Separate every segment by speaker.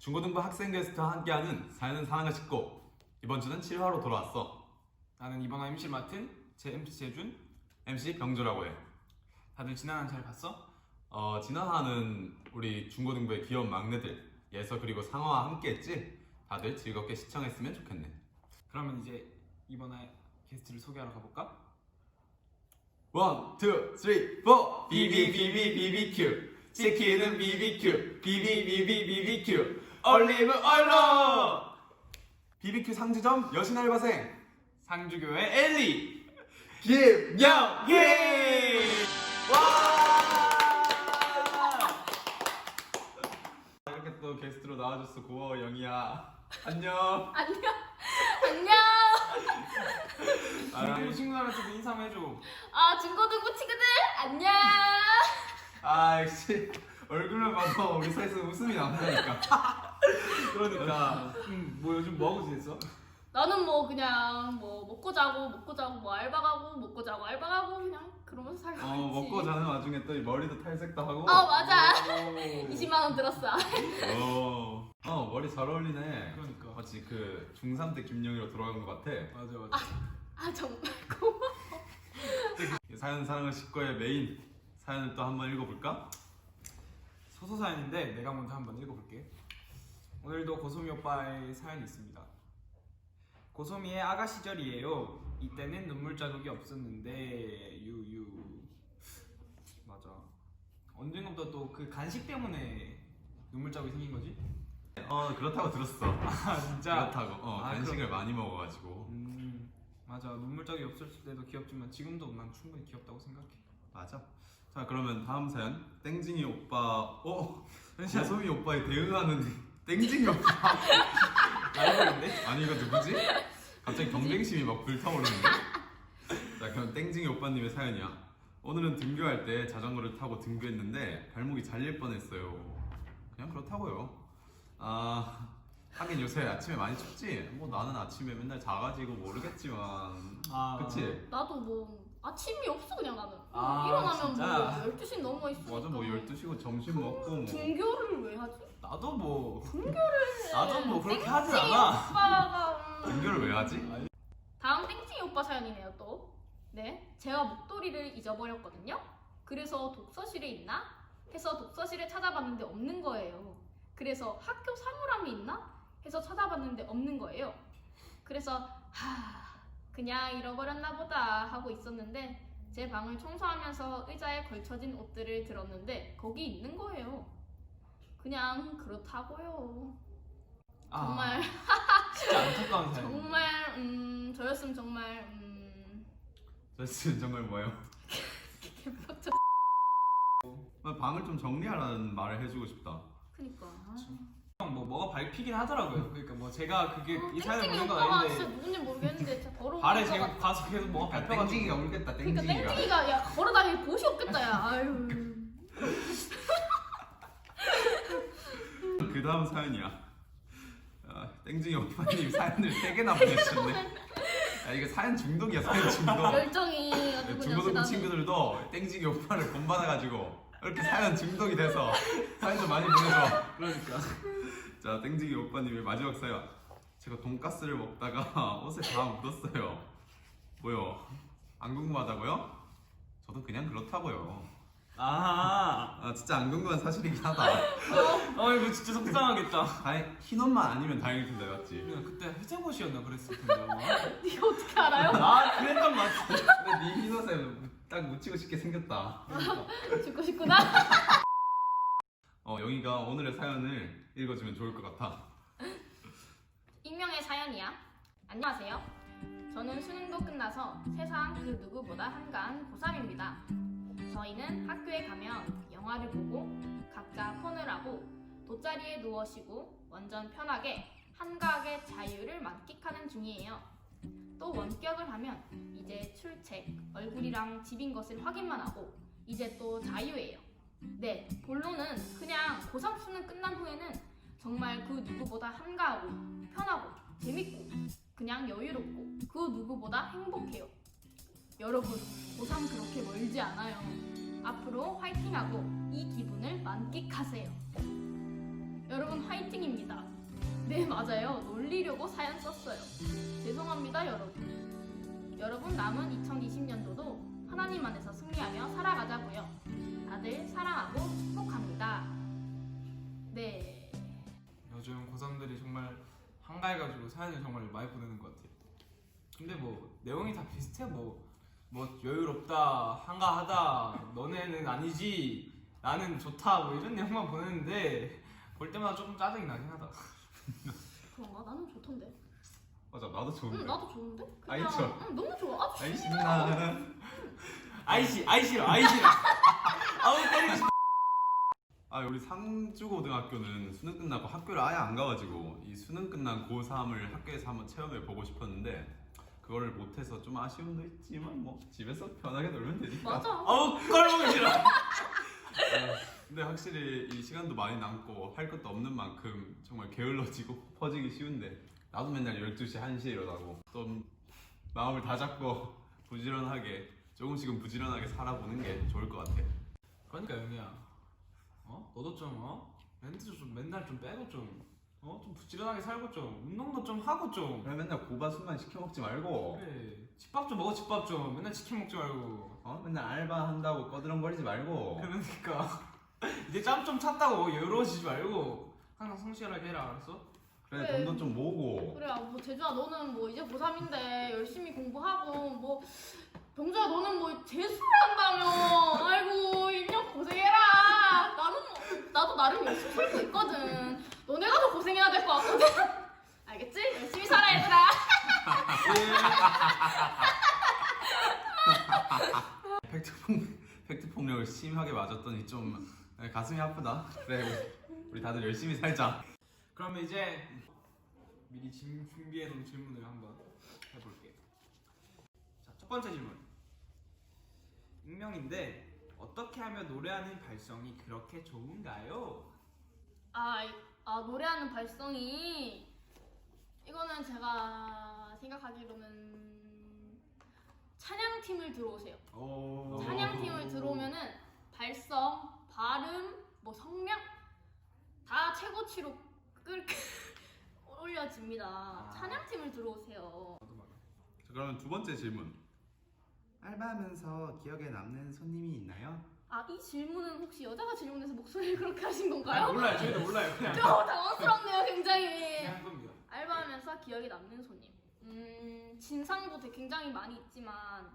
Speaker 1: 중고등부 학생 게스트와 함께하는 사연은 사랑을 싣고 이번 주는 7화로 돌아왔어.
Speaker 2: 나는 이번 화 MC를 맡은 제 MC 재준.
Speaker 1: MC 병조라고 해.
Speaker 2: 다들 지난 한 잘 봤어?
Speaker 1: 지난 화는 우리 중고등부의 귀여운 막내들 예서 그리고 상어와 함께했지? 다들 즐겁게 시청했으면 좋겠네.
Speaker 2: 그러면 이제 이번 화 게스트를 소개하러 가볼까?
Speaker 1: 1, 2, 3, 4 BBBBBBQ 치킨은 BBQ BBBBBBQ 올리브 오일로 BBQ 상주점 여신 알바생
Speaker 2: 상주교회 엘리
Speaker 1: 김영희. 이렇게 또 게스트로 나와줘서 고마워 영희야. 안녕.
Speaker 3: 안녕.
Speaker 2: 중고등부 친구들한테도 인사 한번 해줘.
Speaker 3: 중고등부 친구들 안녕.
Speaker 1: 역시 얼굴만 봐도 우리 사이에서 웃음이 나온다니까.
Speaker 2: 그러니까 뭐 요즘 뭐하고 지냈어?
Speaker 3: 나는 뭐 그냥 뭐 먹고 자고 뭐 알바 가고 먹고 자고 알바 가고 그냥 그러면서 살고 있지.
Speaker 1: 먹고 자는 와중에 또 머리도 탈색도 하고.
Speaker 3: 맞아.
Speaker 2: 오.
Speaker 3: 20만 원 들었어.
Speaker 1: 머리 잘 어울리네.
Speaker 2: 그러니까.
Speaker 1: 마치 그 중3 때 김영희로 돌아간 것 같아.
Speaker 2: 맞아.
Speaker 3: 정말 고마워.
Speaker 1: 사연 사랑을 싣고의 메인 사연을 또 한번 읽어볼까?
Speaker 2: 소소 사연인데 내가 먼저 한번 읽어볼게. 오늘도 고소미 오빠의 사연이 있습니다. 고소미의 아가 시절이에요. 이때는 눈물 자국이 없었는데 유유. 맞아. 언젠가부터 또 그 간식 때문에 눈물 자국이 생긴 거지?
Speaker 1: 그렇다고 들었어.
Speaker 2: 진짜?
Speaker 1: 그렇다고. 간식을 많이 먹어가지고.
Speaker 2: 맞아. 눈물 자국이 없을 때도 귀엽지만 지금도 난 충분히 귀엽다고 생각해.
Speaker 1: 맞아. 자 그러면 다음 사연 땡징이 오빠. 고소미 오빠에 대응하는 땡징이 오빠.
Speaker 2: 라이벌인데?
Speaker 1: 아니 이거 누구지? 갑자기 경쟁심이 막 불타오르는데? 자 그럼 땡징이 오빠님의 사연이야. 오늘은 등교할 때 자전거를 타고 등교했는데 발목이 잘릴 뻔했어요. 그냥 그렇다고요. 하긴 요새 아침에 많이 춥지? 뭐 나는 아침에 맨날 자가지고 모르겠지만 그치?
Speaker 3: 나도 뭐 아침이 없어 그냥 나는.
Speaker 2: 아,
Speaker 3: 일어나면
Speaker 2: 진짜?
Speaker 3: 뭐 12시 넘어 있으니까.
Speaker 1: 맞아 뭐 12시고 점심 먹고 뭐
Speaker 3: 등교를 왜 하지?
Speaker 2: 나도 뭐
Speaker 3: 등교를
Speaker 2: 그렇게 하진
Speaker 3: 땡땡이
Speaker 2: 않아.
Speaker 3: 오빠가
Speaker 1: 등교를 왜 하지?
Speaker 3: 다음 땡땡이 오빠 사연이네요 또. 네, 제가 목도리를 잊어버렸거든요. 그래서 독서실에 있나? 해서 독서실에 찾아봤는데 없는 거예요. 그래서 학교 사물함이 있나? 해서 찾아봤는데 없는 거예요. 그래서 그냥 잃어버렸나 보다 하고 있었는데 제 방을 청소하면서 의자에 걸쳐진 옷들을 들었는데 거기 있는 거예요. 그냥 그렇다고요. 정말
Speaker 2: 진짜 안타까운 사연.
Speaker 3: 정말 저였으면 정말
Speaker 1: 저는 정말 뭐예요?
Speaker 3: 개빡쳐.
Speaker 1: 나 방을 좀 정리하라는 말을 해주고 싶다.
Speaker 3: 그니까.
Speaker 2: 뭐가 밟히긴 하더라고요. 그러니까 뭐 제가 그게 이 사연을
Speaker 3: 땡땡이
Speaker 2: 보낸 건
Speaker 3: 오빠가 진짜
Speaker 2: 아닌데
Speaker 3: 누군지 모르겠는데 진짜 더러운
Speaker 2: 발에
Speaker 3: 것
Speaker 2: 제가
Speaker 3: 같아.
Speaker 2: 가서 계속 뭐가 밟혀가지고
Speaker 1: 땡징이가 울겠다.
Speaker 3: 그러니까
Speaker 1: 땡징이가.
Speaker 3: 땡땡이가 야 걸어다닐 곳이 없겠다 야. 아유.
Speaker 1: 그 다음 사연이야. 땡징이 오빠님 사연을 3개나 보내주셨네. 이거 사연 중독이야 사연 중독.
Speaker 3: 열정이 아주 그냥
Speaker 1: 중고등부
Speaker 3: 대단해.
Speaker 1: 친구들도 땡징이 오빠를 본받아가지고 이렇게 사연 중독이 돼서 사연 좀 많이 보내줘.
Speaker 2: 그러니까
Speaker 1: 자 땡징이 오빠님의 마지막 사연. 제가 돈가스를 먹다가 옷에 다 묻었어요. 뭐요? 안 궁금하다고요? 저도 그냥 그렇다고요. 진짜 안 궁금한 사실이긴 하다.
Speaker 2: 이거 진짜 속상하겠다.
Speaker 1: 흰 옷만 아니면 다행일 텐데 맞지?
Speaker 2: 그냥 그때 회색 옷이었나 그랬을 텐데 아마.
Speaker 3: 네가 어떻게 알아요?
Speaker 2: 그랬던 것 같아.
Speaker 1: 근데 네 흰 옷에 딱 묻히고 싶게 생겼다.
Speaker 3: 죽고 싶구나.
Speaker 1: 영희가 오늘의 사연을 읽어주면 좋을 것 같아.
Speaker 3: 익명의 사연이야. 안녕하세요. 저는 수능도 끝나서 세상 그 누구보다 한가한 고3입니다. 저희는 학교에 가면 영화를 보고 각자 폰을 하고 돗자리에 누워 쉬고 완전 편하게 한가하게 자유를 만끽하는 중이에요. 또 원격을 하면 이제 출첵, 얼굴이랑 집인 것을 확인만 하고 이제 또 자유예요. 네, 본론은 그냥 고3 수능 끝난 후에는 정말 그 누구보다 한가하고 편하고 재밌고 그냥 여유롭고 그 누구보다 행복해요. 여러분, 고3 그렇게 멀지 않아요. 앞으로 화이팅하고 이 기분을 만끽하세요. 여러분 화이팅입니다. 네, 맞아요. 놀리려고 사연 썼어요. 죄송합니다, 여러분. 여러분 남은 2020년도도 하나님 안에서 승리하며 살아가자고요. 다들 사랑하고 축복합니다. 네.
Speaker 2: 요즘 고3들이 정말 한가해가지고 사연을 정말 많이 보내는 것 같아요. 근데 뭐 내용이 다 비슷해. 뭐 여유롭다, 한가하다, 너네는 아니지, 나는 좋다, 뭐 이런 내용만 보내는데 볼 때마다 조금 짜증이 나긴 하다.
Speaker 3: 그런가? 나는 좋던데.
Speaker 1: 맞아, 나도
Speaker 3: 응,
Speaker 1: 좋은데.
Speaker 3: 나도 좋은데?
Speaker 1: 아이,
Speaker 3: 그냥
Speaker 1: 좋아.
Speaker 3: 응, 너무 좋아. 아,
Speaker 1: 아이 신나.
Speaker 2: 아이 싫어. 아우 때리고 싶어.
Speaker 1: 아, 우리 상주고등학교는 수능 끝나고 학교를 아예 안 가가지고 이 수능 끝난 고3을 학교에서 한번 체험해 보고 싶었는데 그거를 못해서 좀 아쉬움도 있지만 뭐 집에서 편하게 놀면 되니까.
Speaker 3: 맞아.
Speaker 2: 아우 꼴보기 싫어.
Speaker 1: 근데 확실히 이 시간도 많이 남고 할 것도 없는 만큼 정말 게을러지고 퍼지기 쉬운데 나도 맨날 12시, 1시에 일어나고 좀 마음을 다잡고 부지런하게 조금씩은 부지런하게 살아보는 게 좋을 것 같아.
Speaker 2: 그러니까 영희야, 너도 좀 멘트 좀 맨날 좀 빼고 좀 부지런하게 살고 좀 운동도 좀 하고 좀.
Speaker 1: 그래 맨날 고바순만 시켜 먹지 말고
Speaker 2: 그래, 집밥 좀 먹어. 집밥 좀 맨날 치킨 먹지 말고.
Speaker 1: 맨날 알바 한다고 꺼드렁거리지 말고.
Speaker 2: 그러니까 이제 짬 좀 찼다고 여유로워지지 말고 항상 성실하게 해라, 알았어?
Speaker 1: 그래
Speaker 3: 그래.
Speaker 1: 돈도 좀 모으고.
Speaker 3: 그래, 뭐 제주야 너는 뭐 이제 고3인데 열심히 공부하고 뭐 병주야 너는 뭐 재수를 한다며. 아이고 1년 고생해라. 나도 나름 열심히 살고 있거든. 너네가 더 고생해야 될 것 같거든. 알겠지? 열심히 살아 얘들아.
Speaker 1: 팩트 폭력을 심하게 맞았더니 좀 가슴이 아프다. 그래 우리 다들 열심히 살자.
Speaker 2: 그러면 이제 미리 준비해놓은 질문을 한번 해볼게. 자, 첫 번째 질문. 익명인데 어떻게 하면 노래하는 발성이 그렇게 좋은가요?
Speaker 3: 노래하는 발성이 이거는 제가 생각하기로는 찬양팀을 들어오세요.
Speaker 2: 오.
Speaker 3: 찬양팀을 들어오면은 발성, 발음, 뭐 성명 다 최고치로 올려집니다. 찬양팀을 들어오세요.
Speaker 1: 자, 그러면 두 번째 질문. 알바하면서 기억에 남는 손님이 있나요?
Speaker 3: 이 질문은 혹시 여자가 질문해서 목소리를 그렇게 하신 건가요?
Speaker 2: 몰라요. 저희도 몰라요. 그냥
Speaker 3: 당황스럽네요, 굉장히.
Speaker 2: 그냥 한 겁니다.
Speaker 3: 알바하면서 기억에 남는 손님. 진상도 굉장히 많이 있지만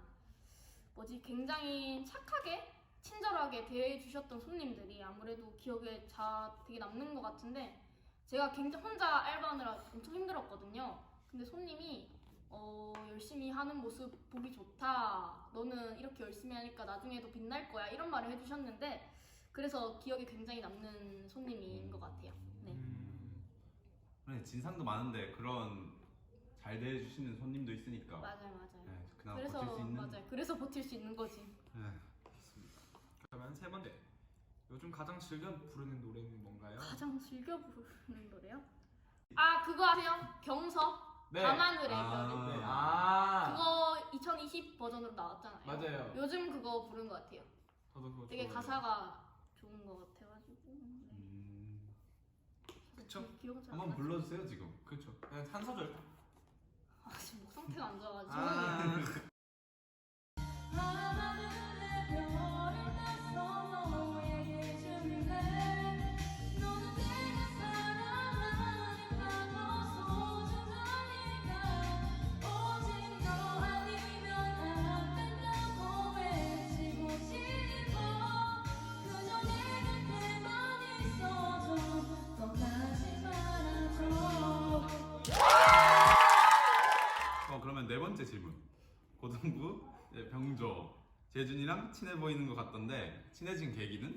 Speaker 3: 굉장히 착하게 친절하게 대해주셨던 손님들이 아무래도 기억에 되게 남는 것 같은데 제가 굉장히 혼자 알바하느라 엄청 힘들었거든요. 근데 손님이 열심히 하는 모습 보기 좋다. 너는 이렇게 열심히 하니까 나중에도 빛날 거야. 이런 말을 해주셨는데 그래서 기억에 굉장히 남는 손님인 것 같아요. 네.
Speaker 1: 그래 진상도 많은데 그런 잘 대해주시는 손님도 있으니까.
Speaker 3: 맞아요.
Speaker 1: 네, 그나마 버틸 수 있는.
Speaker 3: 맞아요. 그래서 버틸 수 있는 거지.
Speaker 1: 네.
Speaker 2: 그러면 세 번째. 요즘 가장 즐겨 부르는 노래는 뭔가요?
Speaker 3: 가장 즐겨 부르는 노래요? 그거 아세요? 경서.
Speaker 2: 네.
Speaker 3: 밤하늘의 별이.
Speaker 2: 네.
Speaker 3: 그거 2020 버전으로 나왔잖아요.
Speaker 2: 맞아요.
Speaker 3: 요즘 그거 부른 것 같아요.
Speaker 2: 저도 그거
Speaker 3: 되게
Speaker 2: 좋아해요.
Speaker 3: 가사가 좋은 것 같아가지고.
Speaker 2: 그쵸?
Speaker 3: 기억은 잘 안
Speaker 1: 한번
Speaker 3: 나죠.
Speaker 1: 불러주세요 지금.
Speaker 2: 그렇죠. 그냥 한 소절.
Speaker 3: 지금 목 상태가 안 좋아가지고.
Speaker 4: 밤하늘의 별을 따서 너에게 줄래. 너는 내가 사랑하니까 더 소중하니까 오직 너 아니면 안 된다고 외치고 싶어. 그저 내 곁에만 있어줘. 떠나지 말아줘.
Speaker 1: 그러면 네 번째 질문. 고등부 병조 재준이랑 친해 보이는 것 같던데 친해진 계기는?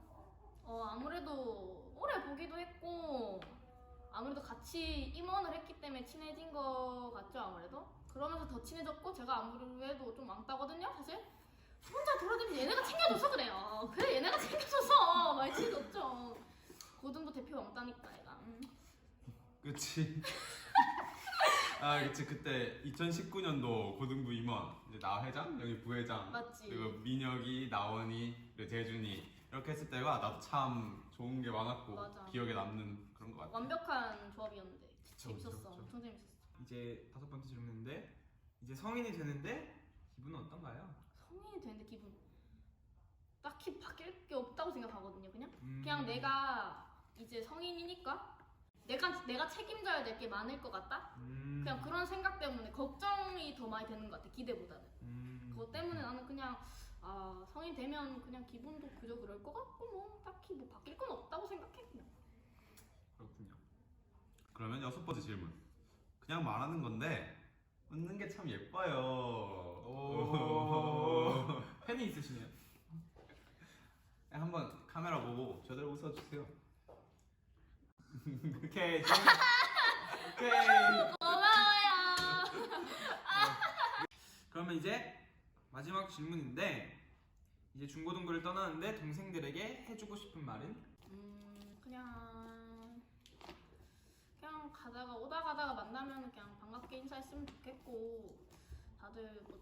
Speaker 3: 아무래도 오래 보기도 했고 아무래도 같이 임원을 했기 때문에 친해진 것 같죠. 아무래도 그러면서 더 친해졌고 제가 아무래도 좀 왕따거든요 사실. 혼자 돌아다니면 얘네가 챙겨줘서 그래요. 그래 얘네가 챙겨줘서 많이 친해졌죠. 고등부 대표 왕따니까 얘가.
Speaker 1: 그치. 그치. 그때 2019년도 고등부 임원 이제 나 회장, 여기 부회장,
Speaker 3: 맞지.
Speaker 1: 그리고 민혁이, 나원이, 그리고 재준이 이렇게 했을 때가 나도 참 좋은 게 많았고
Speaker 3: 맞아.
Speaker 1: 기억에 남는 그런 것 같아.
Speaker 3: 완벽한 조합이었는데
Speaker 1: 그쵸,
Speaker 3: 재밌었어.
Speaker 1: 그쵸.
Speaker 3: 엄청 재밌었어.
Speaker 2: 이제 5번째 질문인데 이제 성인이 되는데 기분은 어떤가요?
Speaker 3: 성인이 되는데 기분 딱히 바뀔 게 없다고 생각하거든요. 그냥
Speaker 2: 음.
Speaker 3: 그냥 내가 이제 성인이니까 내가 책임져야 될 게 많을 것 같다. 그냥 그런 생각 때문에 걱정이 더 많이 되는 것 같아. 기대보다는. 그것 때문에 나는 그냥 성인 되면 그냥 기분도 그저 그럴 것 같고 뭐 딱히 뭐 바뀔 건 없다고 생각해 그냥.
Speaker 2: 그렇군요.
Speaker 1: 그러면 6번째 질문. 그냥 말하는 건데 웃는 게 참 예뻐요.
Speaker 2: 오. 팬이 있으시네요.
Speaker 1: 한번 카메라 보고 저대로 웃어주세요.
Speaker 2: 오케이. 오케이.
Speaker 3: 고마워요.
Speaker 2: 그러면 이제 마지막 질문인데 이제 중고등부를 떠나는데 동생들에게 해주고 싶은 말은?
Speaker 3: 그냥 오다 가다가 만나면 그냥 반갑게 인사했으면 좋겠고 다들 뭐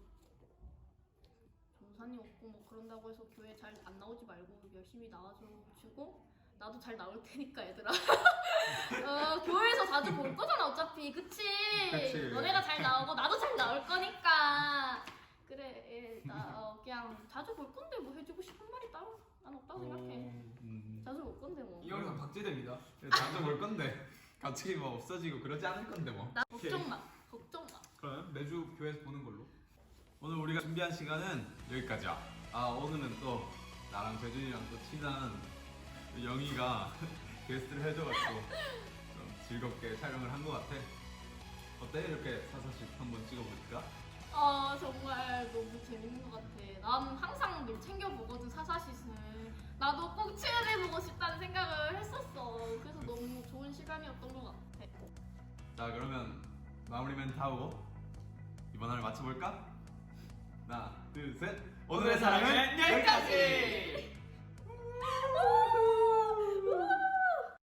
Speaker 3: 전산이 없고 뭐 그런다고 해서 교회 잘 안 나오지 말고 열심히 나와주고 나도 잘 나올 테니까 얘들아. 교회에서 자주 볼 거잖아 어차피 그치?
Speaker 1: 그치.
Speaker 3: 너네가 잘 나오고 나도 잘 나올 거니까 그래 나 그냥 자주 볼 건데 뭐 해주고 싶은 말이 따로 난 없다고 생각해. 자주 볼 건데 뭐.
Speaker 2: 이 영상 박제됩니다.
Speaker 1: 자주 볼 건데 갑자기 뭐 없어지고 그러지 않을 건데 뭐.
Speaker 3: 나
Speaker 2: 오케이.
Speaker 3: 걱정 마.
Speaker 2: 그러면 매주 교회에서 보는 걸로.
Speaker 1: 오늘 우리가 준비한 시간은 여기까지야. 오늘은 또 나랑 재준이랑 또 친한 영희가 게스트를 해줘가지고 좀 즐겁게 촬영을 한 것 같아. 어때? 이렇게 사사씩 한번 찍어볼까?
Speaker 3: 정말 너무 재밌는 것 같아. 난 항상 늘 챙겨보거든 사사시를. 나도 꼭 출연해보고 싶다는 생각을 했었어. 그래서 너무 좋은 시간이었던 것 같아.
Speaker 1: 자 그러면 마무리 멘트 하고 이번 화를 마쳐볼까? 하나 둘 셋.
Speaker 2: 오늘의 사랑은 여기까지!